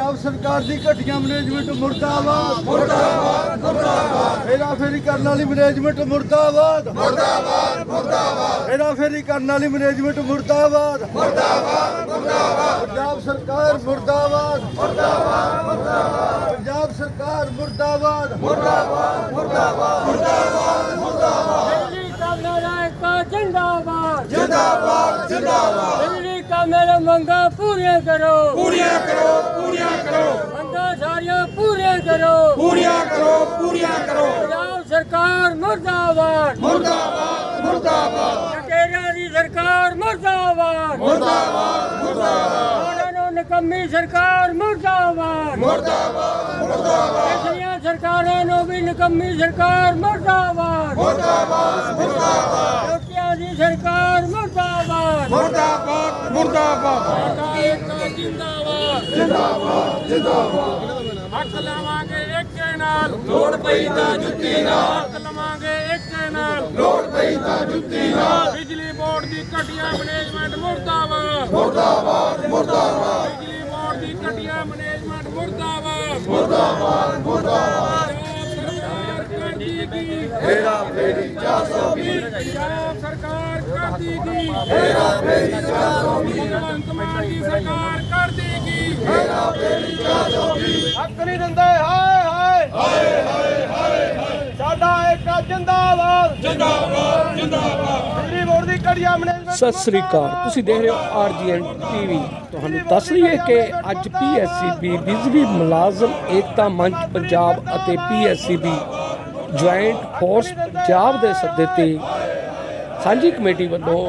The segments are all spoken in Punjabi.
पंजाब सरकार की घटिया मैनेजमेंट मुर्दाबाद मुर्दाबाद मुर्दाबाद। हेरा फेरी करने वाली मैनेजमेंट मुर्दाबाद मुर्दाबाद मुर्दाबाद। हेरा फेरी करने वाली मैनेजमेंट मुर्दाबाद मुर्दाबाद मुर्दाबाद। पंजाब सरकार मुर्दाबाद मुर्दाबाद मुर्दाबाद। पंजाब सरकार मुर्दाबाद मुर्दाबाद मुर्दाबाद मुर्दाबाद मुर्दाबाद। दिल्ली का मेरा एक जिंदाबाद जिंदाबाद जिंदाबाद। दिल्ली का मेरा मंगा पूरे करो पूरियां करो पूरियां करो मंगा सारियां पूरे करो पूरियां करो पूरियां करो। पंजाब सरकार मुर्दाबाद मुर्दाबाद मुर्दाबाद लुटेरिया दी सरकार मुर्दाबाद मुर्दाबाद मुर्दाबाद ਉਹਨਾਂ ਨਿਕੰਮੀ ਸਰਕਾਰ ਮੁਰਦਾਬਾਦ मुर्दाबाद मुर्दाबाद ਪਿਛਲੀਆਂ ਸਰਕਾਰਾਂ ਨੂੰ ਵੀ ਨਿਕੰਮੀ ਸਰਕਾਰ ਮੁਰਦਾਬਾਦ मुर्दाबाद मुर्दाबाद ਲੋਟੀਆਂ ਦੀ ਸਰਕਾਰ ਮੁਰਦਾਬਾਦ मुर्दाबाद मुर्दाबाद ਸਰਕਾਰ ਜਿੰਦਾਬਾਦ जिंदाबाद जिंदाबाद। ਹੱਕ ਲਵਾਂਗੇ ਏਕੇ ਨਾਲ ਲੋੜ ਪਈ ਤਾਂ ਜੁੱਤੀ ਨਾਲ ਹੱਕ ਲਵਾਂਗੇ ਏਕੇ ਨਾਲ लोड़ पई ता जुत्ती नाल ਬਿਜਲੀ ਬੋਰਡ ਦੀ ਘਟੀਆ ਮੈਨੇਜਮੈਂਟ ਮੁਰਦਾਬਾਦ मुर्दाबाद मुर्दाबाद ਬਿਜਲੀ ਬੋਰਡ ਦੀ ਘਟੀਆ ਮੈਨੇਜਮੈਂਟ ਮੁਰਦਾਬਾਦ मुर्दाबाद मुर्दाबाद। ਪੰਜਾਬ ਸਰਕਾਰ ਕਰ ਦੇਗੀ हेरा फेरी 420 ਪੰਜਾਬ ਸਰਕਾਰ ਕਰ ਦੇਗੀ हेरा फेरी 420 ਭਗਵੰਤ ਮਾਨ ਦੀ ਸਰਕਾਰ ਕਰ ਦੇਗੀ हेरा फेरी 420 ਹੱਕ ਨਹੀਂ ਦਿੰਦੇ ਹਾਏ ਹਾਏ हाय हाय हाय हाय। ਸਾਡਾ ਇੱਕ ਜਿੰਦਾਬਾਦ जिंदाबाद जिंदाबाद। ਬਿਜਲੀ ਬੋਰਡ ਦੀ ਘਟੀਆ ਮੈਨੇਜਮੈਂਟ ਸਤਿ ਸ੍ਰੀ ਅਕਾਲ। ਤੁਸੀਂ ਦੇਖ ਰਹੇ ਹੋ ਆਰਜੀਐਨ ਟੀਵੀ। ਤੁਹਾਨੂੰ ਦੱਸ ਲਈਏ ਕਿ ਅੱਜ ਪੀਐਸਸੀਬੀ ਬਿਜਲੀ ਮੁਲਾਜ਼ਮ ਏਕਤਾ ਮੰਚ ਪੰਜਾਬ ਅਤੇ ਪੀਐਸਸੀਬੀ ਜੁਆਇੰਟ ਫੋਰਸ ਪੰਜਾਬ ਦੇ ਸੱਦੇ ਤੇ ਸਾਂਝੀ ਕਮੇਟੀ ਵੱਲੋਂ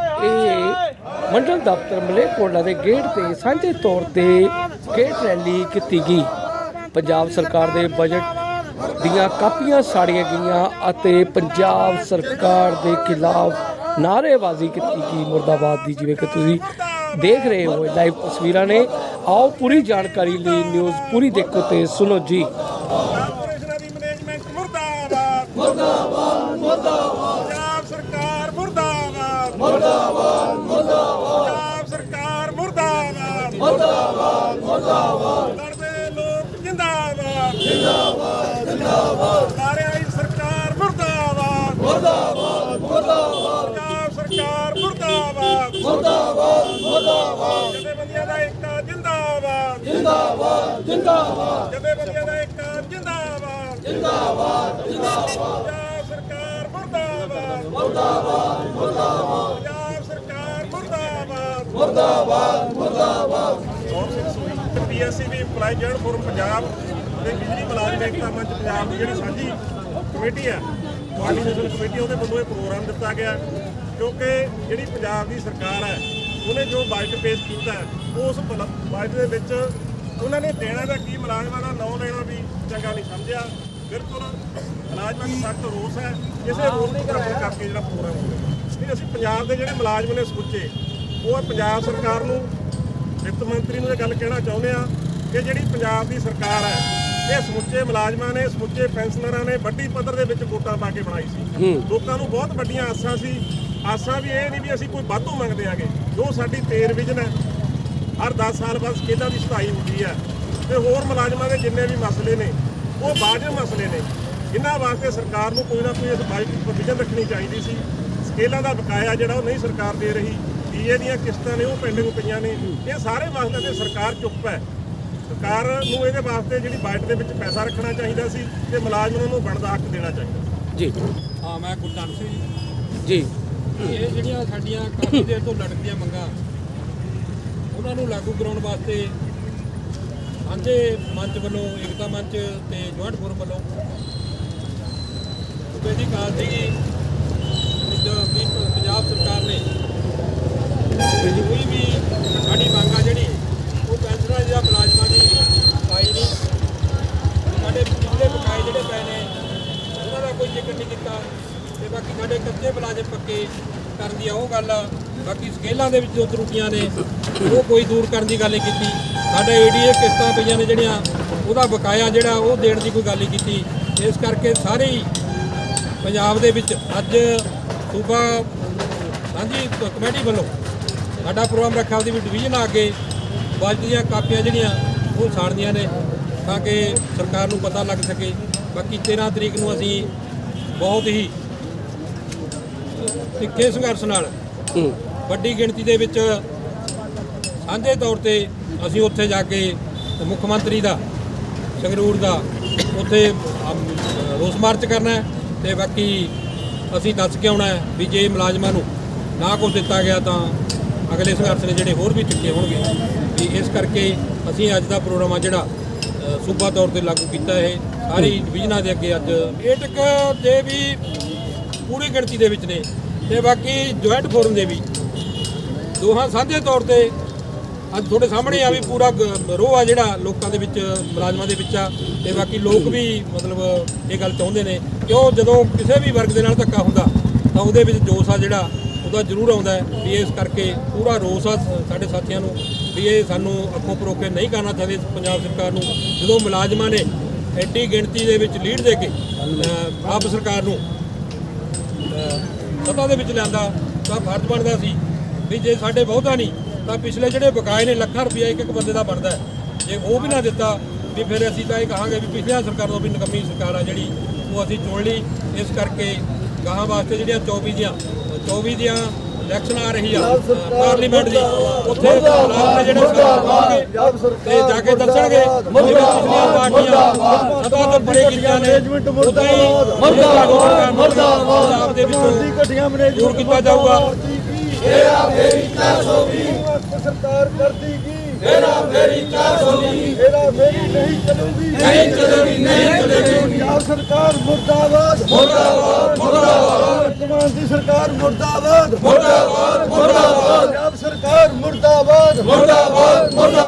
ਇਹ ਮੰਡਲ ਦਫ਼ਤਰ ਮਲੇਰਕੋਟਲਾ ਦੇ ਗੇਟ ਤੇ ਸਾਂਝੇ ਤੌਰ ਤੇ ਗੇਟ ਰੈਲੀ ਕੀਤੀ ਗਈ। ਪੰਜਾਬ ਸਰਕਾਰ ਦੇ ਬਜਟ ਦੀਆਂ ਕਾਪੀਆਂ ਸਾੜੀਆਂ ਗਈਆਂ ਅਤੇ ਪੰਜਾਬ ਸਰਕਾਰ ਦੇ ਖਿਲਾਫ ਨਾਅਰੇਬਾਜ਼ੀ ਕੀਤੀ ਗਈ ਮੁਰਦਾਬਾਦ ਦੀ, ਜਿਵੇਂ ਕਿ ਤੁਸੀਂ ਦੇਖ ਰਹੇ ਹੋ ਲਾਈਵ ਤਸਵੀਰਾਂ ਨੇ। ਆਓ ਪੂਰੀ ਜਾਣਕਾਰੀ ਲਈ ਨਿਊਜ਼ ਪੂਰੀ ਦੇਖੋ ਤੇ ਸੁਣੋ ਜੀ। ਕਾਰਪੋਰੇਸ਼ਨਾਂ ਦੀ ਮੈਨੇਜਮੈਂਟ ਮੁਰਦਾਬਾਦ मुर्दाबाद मुर्दाबाद ਪੰਜਾਬ ਸਰਕਾਰ ਮੁਰਦਾਬਾਦ मुर्दाबाद मुर्दाबाद ਪੰਜਾਬ ਸਰਕਾਰ ਮੁਰਦਾਬਾਦ मुर्दाबाद मुर्दाबाद ਲੜਦੇ ਲੋਕ ਜਿੰਦਾਬਾਦ जिंदाबाद जिंदाबाद ਸਾਰਿਆਂ ਦੀ ਸਰਕਾਰ ਮੁਰਦਾਬਾਦ मुर्दाबाद मुर्दाबाद ਪੰਜਾਬ ਸਰਕਾਰ ਮੁਰਦਾਬਾਦ मुर्दाबाद मुर्दाबाद ਜਥੇਬੰਦੀਆਂ ਦਾ ਏਕਤਾ ਜਿੰਦਾਬਾਦ जिंदाबाद जिंदाबाद ਜਥੇਬੰਦੀਆਂ ਦਾ ਏਕਤਾ ਜਿੰਦਾਬਾਦ जिंदाबाद जिंदाबाद ਪੰਜਾਬ ਸਰਕਾਰ ਮੁਰਦਾਬਾਦ मुर्दाबाद मुर्दाबाद ਪੰਜਾਬ ਸਰਕਾਰ ਮੁਰਦਾਬਾਦ मुर्दाबाद मुर्दाबाद। PSCB employee general forum Punjab ਤੇ ਬਿਜਲੀ ਮੁਲਾਜ਼ਮ ਏਕਤਾ ਮੰਚ ਪੰਜਾਬ ਦੀ ਜਿਹੜੀ ਸਾਂਝੀ ਕਮੇਟੀ ਹੈ ਕੋਆਰਡੀਨੇਸ਼ਨ ਕਮੇਟੀ, ਉਹਦੇ ਵੱਲੋਂ ਇਹ ਪ੍ਰੋਗਰਾਮ ਦਿੱਤਾ ਗਿਆ ਕਿਉਂਕਿ ਜਿਹੜੀ ਪੰਜਾਬ ਦੀ ਸਰਕਾਰ ਹੈ ਉਹਨੇ ਜੋ ਬਜਟ ਪੇਸ਼ ਕੀਤਾ ਹੈ ਉਸ ਬਜਟ ਦੇ ਵਿੱਚ ਉਹਨਾਂ ਨੇ ਦੇਣਾ ਦਾ ਕੀ ਮੁਲਾਜ਼ਮਾਂ ਦਾ ਨਾਂ ਲੈਣਾ ਵੀ ਚੰਗਾ ਨਹੀਂ ਸਮਝਿਆ। ਬਿਲਕੁਲ ਮੁਲਾਜ਼ਮਾਂ ਦਾ ਸਖਤ ਰੋਸ ਹੈ, ਇਸੇ ਰੋਸ ਨੂੰ ਬਰਾਬਰ ਕਰਕੇ ਜਿਹੜਾ ਪ੍ਰੋਗਰਾਮ ਹੋਇਆ ਨਹੀਂ। ਅਸੀਂ ਪੰਜਾਬ ਦੇ ਜਿਹੜੇ ਮੁਲਾਜ਼ਮ ਨੇ ਸਮੁੱਚੇ ਉਹ ਪੰਜਾਬ ਸਰਕਾਰ ਨੂੰ, ਵਿੱਤ ਮੰਤਰੀ ਨੂੰ ਇਹ ਗੱਲ ਕਹਿਣਾ ਚਾਹੁੰਦੇ ਆ ਕਿ ਜਿਹੜੀ ਪੰਜਾਬ ਦੀ ਸਰਕਾਰ ਹੈ ਇਹ ਸਮੁੱਚੇ ਮੁਲਾਜ਼ਮਾਂ ਨੇ, ਸਮੁੱਚੇ ਪੈਨਸ਼ਨਰਾਂ ਨੇ ਵੱਡੀ ਪੱਧਰ ਦੇ ਵਿੱਚ ਵੋਟਾਂ ਪਾ ਕੇ ਬਣਾਈ ਸੀ। ਲੋਕਾਂ ਨੂੰ ਬਹੁਤ ਵੱਡੀਆਂ ਆਸਾਂ ਸੀ। ਆਸਾਂ ਵੀ ਇਹ ਨਹੀਂ ਵੀ ਅਸੀਂ ਕੋਈ ਵਾਧੂ ਮੰਗਦੇ ਆਂਗੇ। ਜੋ ਸਾਡੀ ਪੇ ਰਿਵੀਜ਼ਨ ਹੈ, ਹਰ 10 ਸਾਲ ਬਾਅਦ ਸਕੇਲਾਂ ਦੀ ਸੁਧਾਈ ਹੁੰਦੀ ਹੈ ਤੇ ਹੋਰ ਮੁਲਾਜ਼ਮਾਂ ਦੇ ਜਿੰਨੇ ਵੀ ਮਸਲੇ ਨੇ ਉਹ ਵਾਜਬ ਮਸਲੇ ਨੇ। ਇਹਨਾਂ ਵਾਸਤੇ ਸਰਕਾਰ ਨੂੰ ਕੋਈ ਨਾ ਕੋਈ ਇਸ ਬਾਈਕ ਪ੍ਰੋਵੀਜ਼ਨ ਰੱਖਣੀ ਚਾਹੀਦੀ ਸੀ। ਸਕੇਲਾਂ ਦਾ ਬਕਾਇਆ ਜਿਹੜਾ ਉਹ ਨਹੀਂ ਸਰਕਾਰ ਦੇ ਰਹੀ, ਡੀਏ ਦੀਆਂ ਕਿਸ਼ਤਾਂ ਨੇ ਉਹ ਪੈਂਡਿੰਗ ਪਈਆਂ ਨੇ। ਇਹ ਸਾਰੇ ਵਾਸਤੇ ਤੇ ਸਰਕਾਰ ਚੁੱਪ ਹੈ। ਸਰਕਾਰ ਨੂੰ ਇਹਦੇ ਵਾਸਤੇ ਜਿਹੜੀ ਬਜਟ ਦੇ ਵਿੱਚ ਪੈਸਾ ਰੱਖਣਾ ਚਾਹੀਦਾ ਸੀ ਤੇ ਮੁਲਾਜ਼ਮਾਂ ਨੂੰ ਬਣਦਾ ਹੱਕ ਦੇਣਾ ਚਾਹੀਦਾ ਜੀ ਹਾਂ। ਮੈਂ ਗੁਰਚਰਨ ਸਿੰਘ ਜੀ ਇਹ ਜਿਹੜੀਆਂ ਸਾਡੀਆਂ ਕਾਫੀ ਦੇਰ ਤੋਂ ਲੜਕਦੀਆਂ ਮੰਗਾਂ ਉਹਨਾਂ ਨੂੰ ਲਾਗੂ ਕਰਾਉਣ ਵਾਸਤੇ ਸਾਂਝੇ ਮੰਚ ਵੱਲੋਂ, ਏਕਤਾ ਮੰਚ ਤੇ ਜੁਆਇੰਟ ਫੋਰਮ ਵੱਲੋਂ ਸੂਬੇ ਦੀ ਕਾਲ ਸੀਗੀ ਕਿ ਪੰਜਾਬ ਸਰਕਾਰ ਨੇ ਕੋਈ ਵੀ ਸਾਡੀ ਮੰਗ ਆ ਜਿਹੜੀ ਉਹ ਪੈਨਸ਼ਨਰਾਂ ਜਾਂ ਮੁਲਾਜ਼ਮਾਂ ਦੀ ਪਾਈ ਨਹੀਂ। ਸਾਡੇ ਪਿਛਲੇ ਬਕਾਏ ਜਿਹੜੇ ਪਏ ਨੇ ਉਹਨਾਂ ਦਾ ਕੋਈ ਜ਼ਿਕਰ ਨਹੀਂ ਕੀਤਾ ਤੇ ਬਾਕੀ ਸਾਡੇ ਕੱਚੇ ਮੁਲਾਜ਼ਮ ਪੱਕੇ ਕਰਨ ਦੀ ਉਹ ਗੱਲ ਆ। ਬਾਕੀ ਸਕੇਲਾਂ ਦੇ ਵਿੱਚ ਜੋ ਤਰੁੱਟੀਆਂ ਨੇ ਉਹ ਕੋਈ ਦੂਰ ਕਰਨ ਦੀ ਗੱਲ ਨਹੀਂ ਕੀਤੀ। ਸਾਡੇ ਏਡੀਏ ਕਿਸ਼ਤਾਂ ਪਈਆਂ ਨੇ ਜਿਹੜੀਆਂ ਉਹਦਾ ਬਕਾਇਆ ਜਿਹੜਾ ਉਹ ਦੇਣ ਦੀ ਕੋਈ ਗੱਲ ਨਹੀਂ ਕੀਤੀ। ਇਸ ਕਰਕੇ ਸਾਰੇ ਹੀ ਪੰਜਾਬ ਦੇ ਵਿੱਚ ਅੱਜ ਸੂਬਾ ਸਾਂਝੀ ਕਮੇਟੀ ਵੱਲੋਂ ਸਾਡਾ ਪ੍ਰੋਗਰਾਮ ਰੱਖਿਆ ਉਹਦੀ ਵੀ ਡਿਵੀਜ਼ਨ ਆ ਕੇ ਬਜਟ ਦੀਆਂ ਕਾਪੀਆਂ ਜਿਹੜੀਆਂ ਉਹ ਸਾੜਨੀਆਂ ਨੇ ਤਾਂ ਕਿ ਸਰਕਾਰ ਨੂੰ ਪਤਾ ਲੱਗ ਸਕੇ। ਬਾਕੀ 13 ਤਰੀਕ ਨੂੰ ਅਸੀਂ ਬਹੁਤ ਹੀ ਤਿੱਖੇ ਸੰਘਰਸ਼ ਨਾਲ ਵੱਡੀ ਗਿਣਤੀ ਦੇ ਵਿੱਚ ਸਾਂਝੇ ਤੌਰ ਤੇ ਅਸੀਂ ਉੱਥੇ ਜਾ ਕੇ ਮੁੱਖ ਮੰਤਰੀ ਦਾ ਸੰਗਰੂਰ ਦਾ ਉੱਥੇ ਰੋਸ ਮਾਰਚ ਕਰਨਾ ਹੈ ਤੇ ਬਾਕੀ ਅਸੀਂ ਦੱਸ ਕੇ ਆਉਣਾ ਹੈ ਵੀ ਜੇ ਮੁਲਾਜ਼ਮਾਂ ਨੂੰ ਨਾ ਕੁਛ ਦਿੱਤਾ ਗਿਆ ਤਾਂ ਅਗਲੇ ਸੰਘਰਸ਼ ਨੇ ਜਿਹੜੇ ਹੋਰ ਵੀ ਤਿੱਖੇ ਹੋਣਗੇ। ਵੀ ਇਸ ਕਰਕੇ ਅਸੀਂ ਅੱਜ ਦਾ ਪ੍ਰੋਗਰਾਮ ਆ ਜਿਹੜਾ ਸੂਬਾ ਤੌਰ ਤੇ ਲਾਗੂ ਕੀਤਾ ਇਹ ਸਾਰੀ ਡਿਵੀਜ਼ਨਾਂ ਦੇ ਅੱਗੇ ਅੱਜ ਏਟਕ ਦੇ ਵੀ ਪੂਰੀ ਗਿਣਤੀ ਦੇ ਵਿੱਚ ਨੇ ਤੇ ਬਾਕੀ ਜੁਆਇੰਟ ਫੋਰਮ ਦੇ ਵੀ ਦੋਹਾਂ ਸਾਂਝੇ ਤੌਰ ਤੇ ਅੱਜ ਤੁਹਾਡੇ ਸਾਹਮਣੇ ਆ ਵੀ ਪੂਰਾ ਰੋਹ ਆ ਜਿਹੜਾ ਲੋਕਾਂ ਦੇ ਵਿੱਚ ਮੁਲਾਜ਼ਮਾਂ ਦੇ ਵਿੱਚ ਆ ਤੇ ਬਾਕੀ ਲੋਕ ਵੀ ਮਤਲਬ ਇਹ ਗੱਲ ਚਾਹੁੰਦੇ ਨੇ ਕਿਉਂ ਜਦੋਂ ਕਿਸੇ ਵੀ ਵਰਗ ਦੇ ਨਾਲ ਧੱਕਾ ਹੁੰਦਾ ਤਾਂ ਉਹਦੇ ਵਿੱਚ ਜੋਸ਼ ਆ ਜਿਹੜਾ ਉਹਦਾ ਜ਼ਰੂਰ ਆਉਂਦਾ ਹੈ। ਵੀ ਇਸ ਕਰਕੇ ਪੂਰਾ ਰੋਸ ਆ ਸਾਡੇ ਸਾਥੀਆਂ ਨੂੰ ਵੀ ਇਹ ਸਾਨੂੰ ਅੱਖੋਂ ਪਰੋਕੇ ਨਹੀਂ ਕਰਨਾ ਚਾਹੀਦੇ ਪੰਜਾਬ ਸਰਕਾਰ ਨੂੰ। ਜਦੋਂ ਮੁਲਾਜ਼ਮਾਂ ਨੇ ਐਡੀ ਗਿਣਤੀ ਦੇ ਵਿੱਚ ਲੀਡ ਦੇ ਕੇ ਆਪ ਸਰਕਾਰ ਨੂੰ ਸੱਤਾ ਦੇ ਵਿੱਚ ਲਿਆਂਦਾ ਤਾਂ ਫਰਜ਼ ਬਣਦਾ ਸੀ ਵੀ ਜੇ ਸਾਡੇ ਬਹੁਤਾ ਨਹੀਂ ਤਾਂ ਪਿਛਲੇ ਜਿਹੜੇ ਬਕਾਏ ਨੇ ਲੱਖਾਂ ਰੁਪਈਆ ਇੱਕ ਬੰਦੇ ਦਾ ਬਣਦਾ ਹੈ, ਜੇ ਉਹ ਵੀ ਨਾ ਦਿੱਤਾ ਵੀ ਫਿਰ ਅਸੀਂ ਤਾਂ ਇਹ ਕਹਾਂਗੇ ਵੀ ਪਿਛਲੀਆਂ ਸਰਕਾਰ ਤੋਂ ਵੀ ਨਕੰਮੀ ਸਰਕਾਰ ਆ ਜਿਹੜੀ ਉਹ ਅਸੀਂ ਚੁਣ ਲਈ। ਇਸ ਕਰਕੇ ਗਾਹਾਂ ਵਾਸਤੇ ਜਿਹੜੀਆਂ 24 ਦੀਆਂ ਇਲੈਕਸ਼ਨ ਆ ਰਹੀ ਆ ਪਾਰਲੀਮੈਂਟ ਦੀ ਉੱਥੇ ਮੁਲਾਜ਼ਮ ਨੇ ਜਿਹੜੇ ਸਰਕਾਰ ਪਾਉਣਗੇ ਤੇ ਜਾ ਕੇ ਦੱਸਣਗੇ ਜਿਵੇਂ ਪਿਛਲੀਆਂ ਪਾਰਟੀਆਂ ਸਭਾ ਤੋਂ ਬੜੇ ਕੀਤੀਆਂ ਨੇ ਉਦਾਂ ਹੀ ਪੰਜਾਬ ਦੇ ਵਿੱਚੋਂ ਘਟੀਆਂ ਮੈਨੇਜਮੈਂਟ ਦੂਰ ਕੀਤਾ ਜਾਊਗਾ। ਸਰਕਾਰ ਕਰਦੀ ਕੀ ਮੇਰਾ ਮੇਰੀ 420 ਮੇਰਾ ਮੇਰੀ ਨਹੀਂ ਚਲੂਗੀ ਪੰਜਾਬ ਸਰਕਾਰ ਮੁਰਦਾਬਾਦ ਮੁਰਦਾਬਾਦ ਮੁਰਦਾਬਾਦ ਵਰਤਮਾਨ ਦੀ ਸਰਕਾਰ ਮੁਰਦਾਬਾਦ ਮੁਰਦਾਬਾਦ ਮੁਰਦਾਬਾਦ ਪੰਜਾਬ ਸਰਕਾਰ ਮੁਰਦਾਬਾਦ ਮੁਰਦਾਬਾਦ।